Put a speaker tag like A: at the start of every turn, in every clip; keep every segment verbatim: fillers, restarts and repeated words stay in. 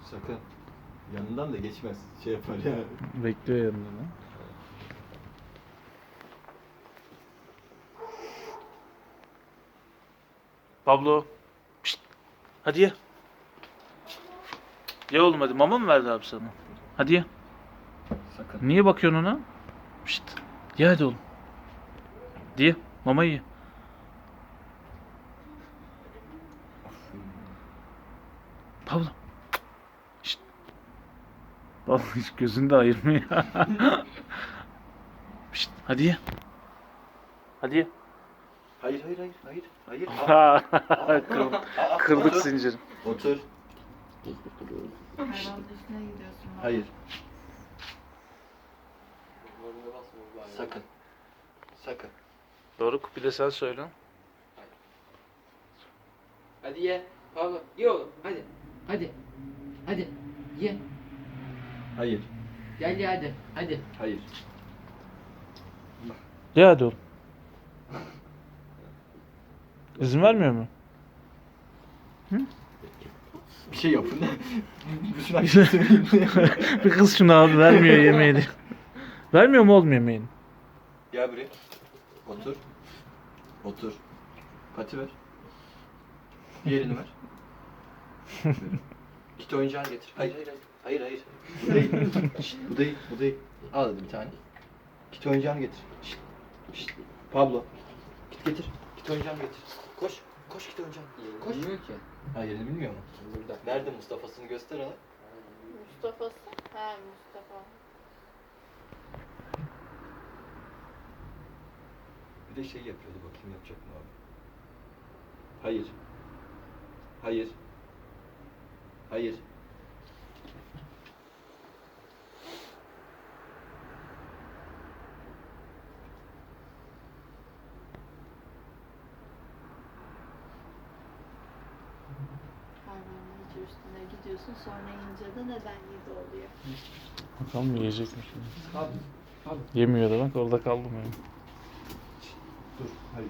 A: Sakın. Yanından da geçmez. Şey yapar ya.
B: Bekliyor yanında lan. Pablo. Pişt. Hadi ye. Ye oğlum hadi. Mama mı verdi abi sana? Hadi ye.
A: Sakın.
B: Niye bakıyorsun ona? Pişt. Ye hadi oğlum. Diye. Mamayı ye. Pablo. Şşt. Vallahi hiç gözünü de ayırmıyor. Şşt. Hadi ye. Hadi ye.
A: Hayır hayır hayır hayır. Hayır.
B: Kırdık,
A: Aa,
B: kırdık
A: otur.
B: zinciri.
A: Otur.
C: Hayvanın üstüne gidiyorsun.
A: Hayır. Sakın. Sakın.
B: Doruk bir de sen söyle.
D: Hadi ye. Pablo ye oğlum hadi. Hadi. Hadi. Ye.
A: Hayır.
D: Gel ye hadi. Hadi.
A: Hayır.
B: Ye hadi oğlum. İzin vermiyor mu?
A: Bir şey yapın. Bütün akşam
B: Bir kız şunu abi vermiyor yemeğini. Vermiyor mu oğlum yemeğini?
A: Gel buraya. Otur. Otur. Pati ver. Diğerini ver. Verin. Git oyuncağını getir. Hayır hayır hayır. Hayır hayır. Bu değil. Şşt, bu değil. Bu değil. Al hadi bir tane. Git oyuncağını getir. Şşt, şşt. Pablo. Git getir. Git oyuncağını getir. Koş. Koş git oyuncağını. Koş.
D: Bilmiyor ki.
A: Ha yerini bilmiyor mu?
D: Burada.
A: Nerede Mustafa'sını göster ona.
C: Mustafa'sı? He Mustafa.
A: Bir de şey yapıyordu bakayım yapacak mı abi? Hayır. Hayır. Hayır.
C: Hayvanın hiç üstüne gidiyorsun sonra yiyince de neden yedi oluyor.
B: Bakalım yiyecek mi şimdi?
D: Pablo. Pablo.
B: Yemiyor da bak orada kaldım yani.
A: Dur. Hayır.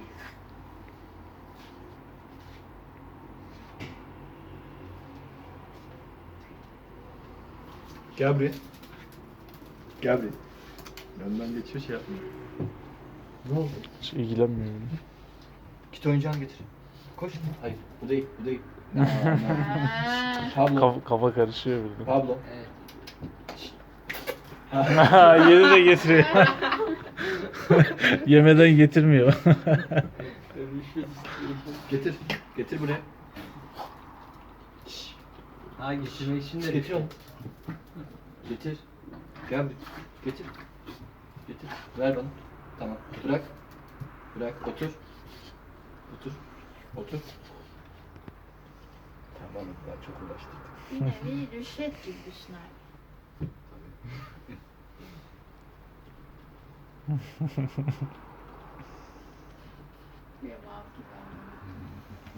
A: Gel buraya. Gel buraya. Yanından geçiyor şey yapmıyor. Ne oldu?
B: Hiç ilgilenmiyor bile.
A: Git oyuncağını getir. Koş. Hayır. Bu değil. Bu değil.
C: Ha.
A: Pablo.
B: Kafa, kafa karışıyor burada.
A: Pablo.
D: Evet.
B: Yeni de getiriyor. Yemeden getirmiyor.
A: Getir. Getir buraya.
D: Ha getirmek için de
A: Getir onu. Getir. Gel buraya. Getir. Getir. Ver bana. Tamam. Bırak. Bırak. Otur. Otur. Otur. Tamam. Ben çok uğraştırdım.
C: Bir nevi rüşvet gibi düşün artık. Bir vav gibi ama.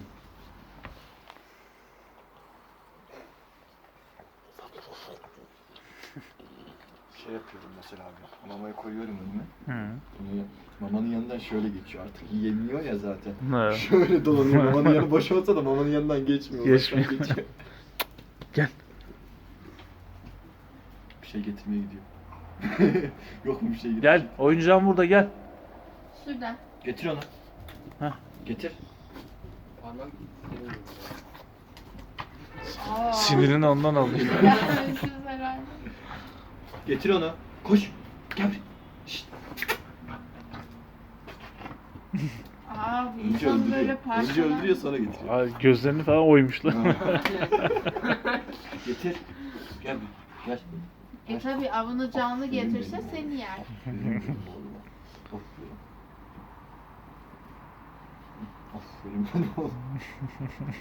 A: Şey yapıyorum mesela abi. Mamayı koyuyorum önüme.
B: Hı.
A: Bunu mamanın yanından şöyle geçiyor artık. Yemiyor ya zaten.
B: Ne?
A: Şöyle dolanıyor. Mamanın yanı boş olsa da mamanın yanından geçmiyor. uzaktan
B: Geçmiyor.
A: geçiyor.
B: Gel.
A: Bir şey getirmeye gidiyor. Yok mu bir şey getir?
B: Gel. Oyuncağım burada gel.
C: Şuradan.
A: Getir onu.
B: Heh.
A: Getir.
D: parmak
C: Aa.
B: Sinirini ondan alıyor.
C: Gelmemişiz herhalde.
A: Getir onu. Koş. Gel buraya. Şşt.
C: Abi
A: Önce
C: insan böyle
A: öldürüyor. Önce
C: parçalar.
A: öldürüyor sonra getiriyor.
B: Ay, gözlerini falan oymuşlar.
A: Getir. Gel buraya. Gel.
C: E tabi avını canlı getirse seni yer.
A: Aferin bana oğlum.